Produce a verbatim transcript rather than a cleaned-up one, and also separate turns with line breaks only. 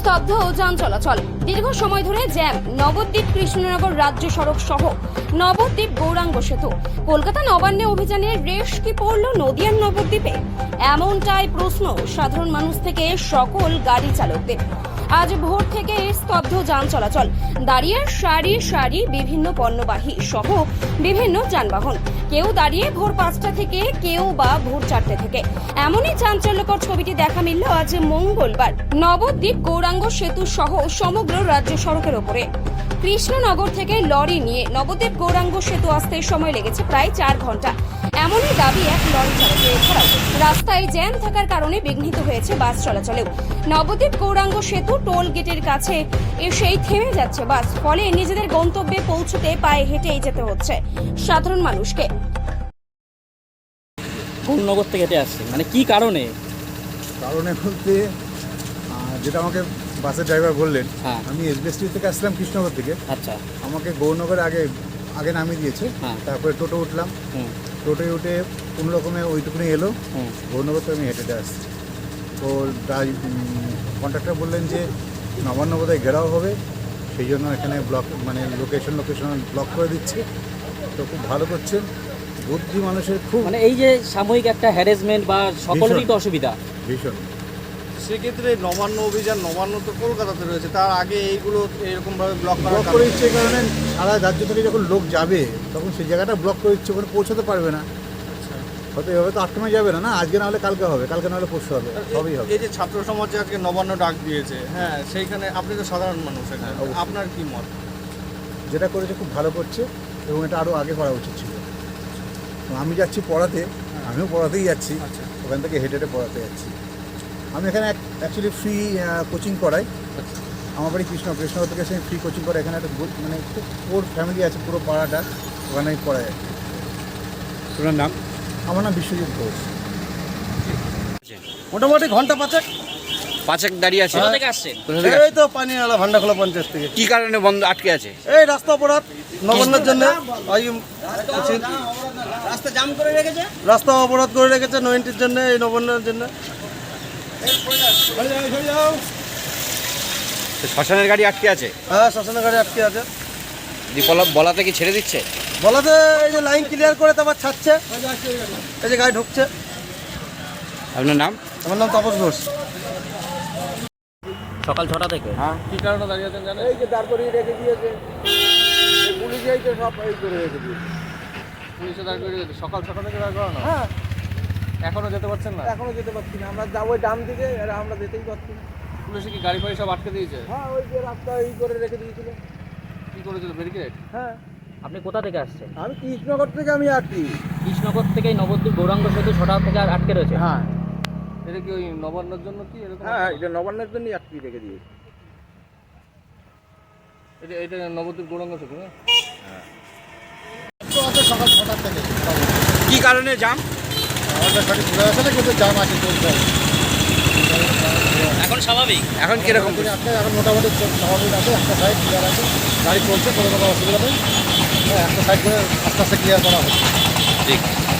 স্তব্ধ যান চলাচল। দীর্ঘ সময় ধরে জ্যাম নবদ্বীপ কৃষ্ণনগর রাজ্য সড়ক সহ নবদ্বীপ গৌরাঙ্গ সেতু। কলকাতা নবান্নে অভিযানের রেশ কি পড়ল নদিয়ার নবদ্বীপে? এমনটাই প্রশ্ন সাধারণ মানুষ থেকে সকল গাড়ি চালকদের। আজ ভোর থেকে স্তব্ধ যান চলাচল, দাঁড়িয়ে সারি সারি বিভিন্ন পণ্যবাহী সহ বিভিন্ন যানবাহন। কেউ দাঁড়িয়ে ভোর পাঁচটা থেকে, কেউ বা ভোর চারটে থেকে। এমনই চাঞ্চল্যকর ছবিটি দেখা মিলল আজ মঙ্গলবার নবদ্বীপ গৌরাঙ্গ সেতু সহ সমগ্র রাজ্য সড়কের ওপরে। কৃষ্ণনগর থেকে লরি নিয়ে নবদ্বীপ গৌরাঙ্গ সেতু আসতে সময় লেগেছে প্রায় চার ঘন্টা। এমনই দাবি এক লরি চালকের। এছাড়াও রাস্তায় জ্যাম থাকার কারণে বিঘ্নিত হয়েছে বাস চলাচলেও। নবদ্বীপ গৌরাঙ্গ সেতু টোল গেটের কাছে এসেই থেমে যাচ্ছে বাস, ফলে নিজেদের গন্তব্যে পৌঁছতে পায়ে হেঁটেই যেতে হচ্ছে সাধারণ মানুষকে।
গৌরনগর থেকে হেঁটে আসছে, মানে কি কারণে?
কারণে বলতে যেটা আমাকে বাসের ড্রাইভার বললেন,
হ্যাঁ।
আমি এসবিএসটি থেকে আসলাম কৃষ্ণনগর থেকে।
আচ্ছা। আমাকে
গৌরনগরে আগে আগে নামিয়ে দিয়েছে,
হ্যাঁ।
তারপরে টোটো উঠলাম।
হুম
টোটোয় উঠে কোনো রকমে ওইটুকুনি এলো।
হুম
গৌরনগর থেকে আমি হেঁটে হেঁটে আসছি। তো কন্ট্রাক্টর বললেন যে নবান্ন বোধহয় ঘেরাও হবে, সেই জন্য এখানে ব্লক মানে লোকেশন লোকেশন ব্লক করে দিচ্ছে। তো খুব ভালো করছেন, বুদ্ধি মানুষের খুব
মানে এই যে সাময়িক একটা হ্যারাসমেন্ট বা সকলেরই তো অসুবিধা
ভীষণ।
সেক্ষেত্রে নবান্ন অভিযান, নবান্ন তো কলকাতাতে রয়েছে, তার আগে এইগুলো এরকমভাবে ব্লক
ব্লক করে দিচ্ছে এই কারণে সারা রাজ্য থেকে যখন লোক যাবে তখন সেই জায়গাটা ব্লক করে দিচ্ছে, ওখানে পৌঁছাতে পারবে না। হয়তো এভাবে তো আটকানো যাবে না, না আজকে না হলে কালকে হবে, কালকে না হলে পরশু হবে, সবই হবে।
এই যে ছাত্র সমাজে আজকে নবান্ন ডাক দিয়েছে, হ্যাঁ, সেইখানে আপনি তো সাধারণ মানুষ, এখানে আপনার কি মত?
যেটা করেছে খুব ভালো করছে এবং এটা আরও আগে করা উচিত ছিল। আমি যাচ্ছি পড়াতে, আমিও পড়াতেই যাচ্ছি, ওখান থেকে হেঁটে হেঁটে পড়াতে যাচ্ছি। আমি এখানে অ্যাকচুয়ালি ফ্রি কোচিং করাই। আমার বাড়ি কৃষ্ণ কৃষ্ণনগর থেকে এসে ফ্রি কোচিং করে। এখানে একটা মানে খুব ওর ফ্যামিলি আছে, পুরো পাড়াটা ওখানে আমি পড়াই।
তোমার নাম?
আমার নাম বিশ্বজিৎ ঘোষ।
মোটামুটি ঘন্টা পাঁচেক
পাঁচেক দাঁড়িয়ে আছে।
কোথা থেকে আসছেন?
কোথা থেকে
এই তো পানি আলা ভান্ডাখোলা পঞ্চায়েত থেকে।
কি কারণে বন্ধ আটকে আছে?
এই রাস্তা অপরাধ নবান্নের জন্য,
রাস্তা জাম করে রেখেছে,
রাস্তা অপরাধ করে রেখেছে নয়নটির জন্য, এই নবান্নের জন্য।
শ্মশানের গাড়ি আটকে আছে,
হ্যাঁ, শ্মশানের গাড়ি আটকে আছে।
দীপলা বলাতে কি ছেড়ে দিচ্ছে?
বলাতে এই যে লাইন ক্লিয়ার করে তারপর ছাড়ছে, এই যে গাড়ি ঢুকছে।
আপনার নাম?
আমার নাম তাপস ঘোষ।
সকাল ছটা থেকে।
হ্যাঁ, কি কারণে দাঁড়িয়ে আছেন জানেন? এই যে দাঁড় করিয়ে রেখে দিয়েছে, পুলিশ এই যে সব এই করে রেখে দিয়েছে। পুলিশে দাঁড় করিয়ে রেখেছে সকাল ছটা থেকে দাঁড় করানো। হ্যাঁ, এখনো যেতে পারছেন না? এখনো যেতে পারছি না, আমরা যাবো ডান দিকে, আর আমরা যেতেই পারছি না। পুলিশে কি গাড়ি ফাড়ি সব আটকে দিয়েছে? হ্যাঁ, ওই যে রাস্তা এই করে রেখে দিয়েছিল। কি করেছিল, ব্যারিকেড? হ্যাঁ।
আপনি কোথা থেকে আসছেন?
আমি কৃষ্ণনগর থেকে আমি আসছি।
কৃষ্ণনগর থেকে নবদ্বীপ গৌরাঙ্গ সেতু ছটা থেকে আর আটকে রয়েছে।
হ্যাঁ, এটা কি ওই নবান্নের জন্য কি এরকম? হ্যাঁ, এটা নবান্নের জন্যই আটকে রেখে দিয়েছে। এটা এটা নবদ্বীপ গৌরাঙ্গ সেতু না? হ্যাঁ, তো আছে সকাল ছটার থেকে।
কি কারণে জাম?
আমাদের গাড়ি ঘুরে আসে না, কিন্তু জাম আছে চলছে।
এখন স্বাভাবিক?
এখন কিরকম?
এখন মোটামুটি স্বাভাবিক আছে, একটা সাইড ক্লিয়ার আছে, গাড়ি চলছে, কোনো কোনো অসুবিধা নেই। হ্যাঁ, একটা সাইড করে আস্তে আস্তে ক্লিয়ার করা হচ্ছে।
ঠিক।